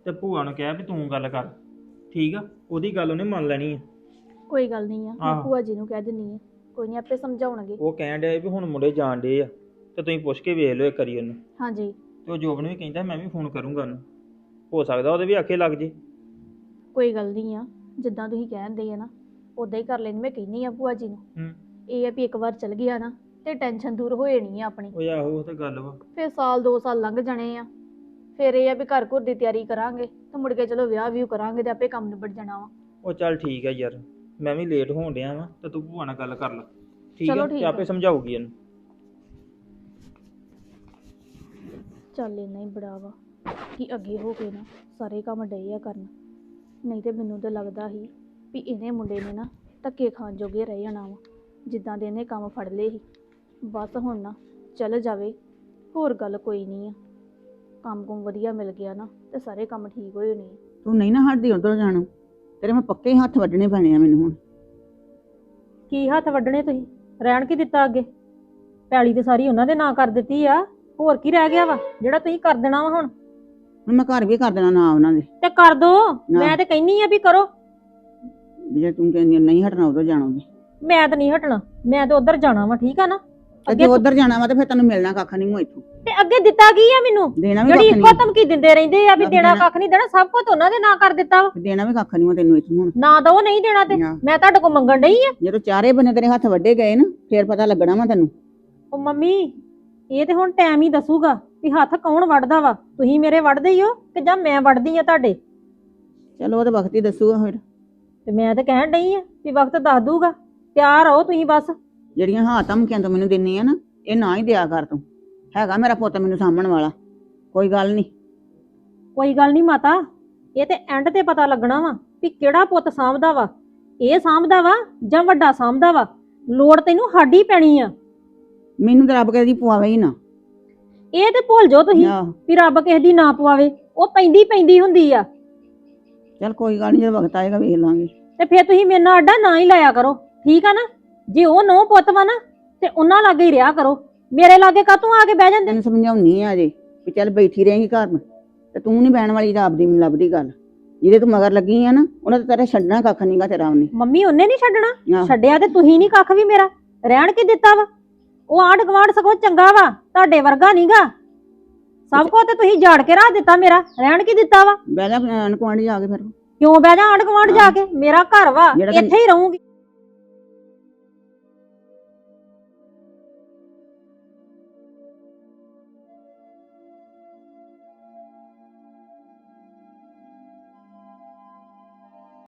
[SPEAKER 7] ਤੇ ਭੂਆ ਨੂੰ ਕਹਿ ਵੀ ਤੂੰ ਗੱਲ ਕਰ, ਠੀਕ ਆ? ਉਹਦੀ ਗੱਲ ਉਹਨੇ ਮੰਨ ਲੈਣੀ ਆ।
[SPEAKER 4] ਕੋਈ ਗੱਲ ਨਹੀਂ ਆ, ਮੈਂ
[SPEAKER 7] ਆਹੋ।
[SPEAKER 4] ਭੂਆ ਜੀ ਨੂੰ ਕਹਿ ਦਿੰਨੀ ਆ, ਕੋਈ ਨਹੀਂ ਆਪੇ ਸਮਝਾਉਣਗੇ।
[SPEAKER 7] ਉਹ ਕਹਿਣ ਡਿਆ ਵੀ ਹੁਣ ਮੁੰਡੇ ਜਾਣ ਡੇ ਆ, ਤੇ ਤੁਸੀਂ ਪੁੱਛ ਕੇ ਵੇਖ ਲਿਓ ਇੱਕ ਵਾਰੀ ਉਹਨੂੰ।
[SPEAKER 4] ਹਾਂਜੀ
[SPEAKER 7] ਤੇ ਉਹ ਜੋਬਨ ਵੀ ਕਹਿੰਦਾ ਮੈਂ ਵੀ ਫੋਨ ਕਰੂੰਗਾ ਉਹਨੂੰ, ਹੋ ਸਕਦਾ ਉਹਦੇ ਵੀ ਆਖੇ ਲੱਗ ਜੇ।
[SPEAKER 4] ਕੋਈ ਗੱਲ ਨਹੀਂ ਆ, ਜਿੱਦਾਂ ਤੁਸੀਂ ਕਹਿੰਦੇ ਆ ਨਾ ਉਦਾਂ ਹੀ ਕਰ ਲੈਣੀ। ਮੈਂ ਕਹਿੰਨੀ ਆ ਭੂਆ ਜੀ ਨੂੰ,
[SPEAKER 7] ਹੂੰ।
[SPEAKER 4] ਇਹ ਆ ਵੀ ਇੱਕ ਵਾਰ ਚਲ ਗਿਆ ਨਾ ਤੇ ਟੈਨਸ਼ਨ ਦੂਰ ਹੋ ਜਾਣੀ ਆ ਆਪਣੀ।
[SPEAKER 7] ਉਹ ਆਹੋ ਉਹ ਤੇ ਗੱਲ ਵਾ।
[SPEAKER 4] ਫਿਰ ਸਾਲ 2 ਸਾਲ ਲੰਘ ਜਾਣੇ ਆ, ਫਿਰ ਇਹ ਆ ਵੀ ਘਰ ਘਰ ਦੀ ਤਿਆਰੀ ਕਰਾਂਗੇ ਤੇ ਮੁੜ ਕੇ ਚਲੋ ਵਿਆਹ ਵੀ ਕਰਾਂਗੇ ਤੇ ਆਪੇ ਕੰਮ ਨਿਬੜ ਜਾਣਾ ਵਾ।
[SPEAKER 7] ਉਹ ਚੱਲ ਠੀਕ ਆ ਯਾਰ, ਮੈਂ ਵੀ ਲੇਟ ਹੋਣ ਡਿਆ ਵਾਂ, ਤੇ ਤੂੰ ਭੂਆ ਨਾਲ ਗੱਲ ਕਰ ਲੈ, ਠੀਕ
[SPEAKER 4] ਚਲੋ
[SPEAKER 7] ਆ?
[SPEAKER 4] ਠੀਕ
[SPEAKER 7] ਤੇ ਆਪੇ
[SPEAKER 4] ਆ।
[SPEAKER 7] ਸਮਝਾਊਗੀ ਇਹਨੂੰ।
[SPEAKER 4] ਚੱਲ ਇੰਨਾ ਹੀ ਬੜਾ ਵਾ ਕਿ ਅੱਗੇ ਹੋ ਕੇ ਨਾ ਸਾਰੇ ਕੰਮ ਡਏ ਆ ਕਰਨ। ਨਹੀਂ ਤੇ ਮੈਨੂੰ ਤਾਂ ਲੱਗਦਾ ਸੀ ਵੀ ਇਹਨੇ ਮੁੰਡੇ ਨੇ ਨਾ ਧੱਕੇ ਖਾਣ ਜੋਗੇ ਰਹਿ ਜਾਣਾ ਵਾ, ਜਿੱਦਾਂ ਦੇ ਇਹਨੇ ਕੰਮ ਫੜ ਲਏ ਸੀ। ਬਸ ਹੁਣ ਨਾ ਚੱਲ ਜਾਵੇ, ਹੋਰ ਗੱਲ ਕੋਈ ਨਹੀਂ ਆ। ਕੰਮ ਕੁਮ ਵਧੀਆ ਮਿਲ ਗਿਆ ਨਾ ਤੇ ਸਾਰੇ ਕੰਮ ਠੀਕ ਹੋ ਜਾਣੇ ਆ।
[SPEAKER 1] ਤੂੰ ਨਹੀਂ ਨਾ ਹਟਦੀ ਉਧਰ ਜਾਣੋਂ, ਤੇਰੇ ਮੈਂ ਪੱਕੇ ਹੱਥ ਵੱਢਣੇ ਪੈਣੇ ਆ ਮੈਨੂੰ ਹੁਣ।
[SPEAKER 2] ਕੀ ਹੱਥ ਵੱਢਣੇ ਤੁਸੀਂ? ਰਹਿਣ ਕੀ ਦਿੱਤਾ ਅੱਗੇ? ਪੈਲੀ ਤੇ ਸਾਰੀ ਉਹਨਾਂ ਦੇ ਨਾਂ ਕਰ ਦਿੱਤੀ ਆ, ਹੋਰ ਕੀ ਰਹਿ ਗਿਆ ਵਾ ਜਿਹੜਾ ਤੁਸੀਂ ਕਰ ਦੇਣਾ ਵਾ ਹੁਣ?
[SPEAKER 1] ਹੁਣ ਮੈਂ ਘਰ ਵੀ ਕਰ ਦੇਣਾ ਨਾ ਉਹਨਾਂ ਦੇ।
[SPEAKER 2] ਤੇ ਕਰ ਦੋ, ਮੈਂ ਤੇ ਕਹਿੰਨੀ ਆ ਵੀ ਕਰੋ।
[SPEAKER 1] ਵੀ ਜੇ ਤੂੰ ਕਹਿੰਦੀ ਆ ਨਹੀਂ ਹਟਣਾ ਉਧਰ ਜਾਣਾ ਵੀ,
[SPEAKER 2] ਮੈਂ ਤਾਂ ਨਹੀਂ ਹਟਣਾ, ਮੈਂ ਤਾਂ ਉਧਰ ਜਾਣਾ ਵਾ, ਠੀਕ ਆ ਨਾ?
[SPEAKER 1] ਤੇ ਜੇ ਉਧਰ ਜਾਣਾ ਵਾ ਤੇ ਫਿਰ ਤੈਨੂੰ ਮਿਲਣਾ ਕੱਖ ਨਹੀਂ ਹੋ ਇੱਥੋਂ।
[SPEAKER 2] ਤੇ ਅੱਗੇ ਦਿੱਤਾ ਕੀ ਆ ਮੈਨੂੰ?
[SPEAKER 1] ਦੇਣਾ ਵੀ
[SPEAKER 2] ਜਿਹੜੀ
[SPEAKER 1] ਕੱਖ
[SPEAKER 2] ਇੱਕੋ
[SPEAKER 1] ਨਹੀਂ,
[SPEAKER 2] ਧਮਕੀ ਦਿੰਦੇ ਰਹਿੰਦੇ ਆ ਵੀ ਦੇਣਾ ਕੱਖ ਨਹੀਂ ਦੇਣਾ, ਸਭ ਕੁਝ ਉਹਨਾਂ ਦੇ ਨਾਂ ਕਰ ਦਿੱਤਾ ਵਾ।
[SPEAKER 1] ਦੇਣਾ ਵੀ ਕੱਖ ਨਹੀਂ ਹੋ ਤੈਨੂੰ ਇੱਥੋਂ ਹੁਣ।
[SPEAKER 2] ਨਾ ਦੋ ਨਹੀਂ ਦੇਣਾ ਤੇ
[SPEAKER 1] ਹਾਂ।
[SPEAKER 2] ਮੈਂ ਤੁਹਾਡੇ ਕੋਲ ਮੰਗਣ ਡਈ ਆ।
[SPEAKER 1] ਜਦੋਂ ਚਾਰੇ ਬੰਨੇ ਤੇਰੇ ਹੱਥ ਵੱਡੇ ਗਏ ਨਾ ਫੇਰ ਪਤਾ ਲੱਗਣਾ ਵਾ ਤੈਨੂੰ।
[SPEAKER 2] ਉਹ ਮੰਮੀ, ਇਹ ਤੇ ਹੁਣ ਟਾਈਮ ਹੀ ਦੱਸੂਗਾ ਵੀ ਹੱਥ ਕੌਣ ਵੱਢਦਾ ਵਾ। ਤੁਸੀਂ ਮੇਰੇ ਵੱਢਦੇ ਹੀ ਹੋ ਕਿ ਜਾਂ ਮੈਂ ਵੱਢਦੀ ਆ ਤੁਹਾਡੇ?
[SPEAKER 1] ਚਲੋ ਉਹ ਤਾਂ ਵਕਤ ਹੀ ਦੱਸੂਗਾ ਫਿਰ।
[SPEAKER 2] ਤੇ ਮੈਂ ਤਾਂ ਕਹਿਣ ਡਈ ਆ ਵੀ ਵਕਤ ਦੱਸ ਦੂਗਾ। ਤਿਆਰ ਰਹੋ ਤੁਸੀਂ ਬਸ।
[SPEAKER 1] ਜਿਹੜੀਆਂ ਹਾਂ ਧਮਕੀਆਂ ਤੂੰ ਮੈਨੂੰ ਦਿੰਨੀ ਆ ਨਾ, ਇਹ ਨਾ ਹੀ ਦਿਆ ਕਰ ਤੂੰ। ਹੈਗਾ ਮੇਰਾ ਪੁੱਤ ਮੈਨੂੰ ਸਾਂਭਣ ਵਾਲਾ, ਕੋਈ ਗੱਲ ਨਹੀਂ।
[SPEAKER 2] ਕੋਈ ਗੱਲ ਨਹੀਂ ਮਾਤਾ, ਇਹ ਤੇ ਐਂਡ ਤੇ ਪਤਾ ਲੱਗਣਾ ਵਾ ਵੀ ਕਿਹੜਾ ਪੁੱਤ ਸਾਂਭਦਾ ਵਾ। ਇਹ ਸਾਂਭਦਾ ਵਾ ਜਾਂ ਵੱਡਾ ਸਾਂਭਦਾ ਵਾ। ਲੋੜ ਤੈਨੂੰ ਸਾਡੀ ਪੈਣੀ ਆ।
[SPEAKER 1] ਮੈਨੂੰ ਤਾਂ ਰੱਬ ਕਹਦੀ ਪਵਾਵੇ ਹੀ ਨਾ।
[SPEAKER 2] ਇਹ ਤੇ ਭੁੱਲ ਜਾਓ ਤੁਸੀਂ
[SPEAKER 1] ਆਹੋ
[SPEAKER 2] ਵੀ ਰੱਬ ਕਿਸੇ ਦੀ ਨਾ ਪਵਾਵੇ, ਉਹ ਪੈਂਦੀ ਹੁੰਦੀ ਆ।
[SPEAKER 1] ਚੱਲ ਕੋਈ ਗੱਲ ਨਹੀਂ, ਜਦੋਂ ਵਕਤ ਆਏਗਾ ਵੇਖ ਲਾਂਗੇ।
[SPEAKER 2] ਤੇ ਫਿਰ ਤੁਸੀਂ ਮੇਰੇ ਨਾਲ ਅੱਡਾ ਨਾ ਹੀ ਲਾਇਆ ਕਰੋ, ਠੀਕ ਆ ਨਾ? ਜੇ ਉਹ ਨੋ ਪੁੱਤ ਵਾ ਨਾ ਤੇ ਉਹਨਾਂ ਲਾਗੇ ਹੀ ਰਿਹਾ ਕਰੋ। ਮੇਰੇ ਲਾਗੇ ਕਾਹਤੋਂ ਆ ਕੇ ਬਹਿ ਜਾਂਦੇ?
[SPEAKER 1] ਤੈਨੂੰ ਸਮਝਾਉਣੀ ਆ ਅਜੇ ਵੀ ਚੱਲ ਬੈਠੀ ਰਹੇਂਗੀ ਘਰ ਨੂੰ, ਤੇ ਤੂੰ ਨਹੀਂ ਬਹਿਣ ਵਾਲੀ ਰੱਬ ਦੀ ਮੈਨੂੰ ਲੱਭਦੀ ਗੱਲ। ਜਿਹਦੇ ਤੂੰ ਮਗਰ ਲੱਗੀ ਆ ਨਾ ਉਹਨਾਂ ਤੇ ਤੇਰੇ ਛੱਡਣਾ ਕੱਖ ਨਹੀਂਗਾ ਤੇਰਾ ਉਹਨੇ।
[SPEAKER 2] ਮੰਮੀ ਉਹਨੇ ਨਹੀਂ ਛੱਡਣਾ,
[SPEAKER 1] ਆਹ,
[SPEAKER 2] ਛੱਡਿਆ ਤੇ ਤੁਸੀਂ ਨਹੀਂ ਕੱਖ ਵੀ ਮੇਰਾ। ਰਹਿਣ ਕੀ ਦਿੱਤਾ ਵਾ? ਉਹ ਆਂਢ ਗੁਆਂਢ ਸਗੋਂ ਚੰਗਾ ਵਾ, ਤੁਹਾਡੇ ਵਰਗਾ ਨਹੀਂਗਾ। ਸਭ ਕੁਝ ਤੇ ਤੁਸੀਂ ਝਾੜ ਕੇ ਰੱਖ ਦਿੱਤਾ ਮੇਰਾ। ਰਹਿਣ ਕੀ ਦਿੱਤਾ ਵਾ?
[SPEAKER 1] ਬਹਿ ਜਾ ਅਨਕੁਆਂਡੀ ਜਾ ਕੇ ਫਿਰ।
[SPEAKER 2] ਕਿਉਂ ਬਹਿ ਜਾ ਆਂਢ ਗੁਆਂਢ ਜਾ ਕੇ? ਮੇਰਾ ਘਰ ਵਾ,
[SPEAKER 1] ਜਿਹੜਾ ਤੈਨੂੰ-
[SPEAKER 2] ਇੱਥੇ ਹੀ ਰਹੂੰਗੀ।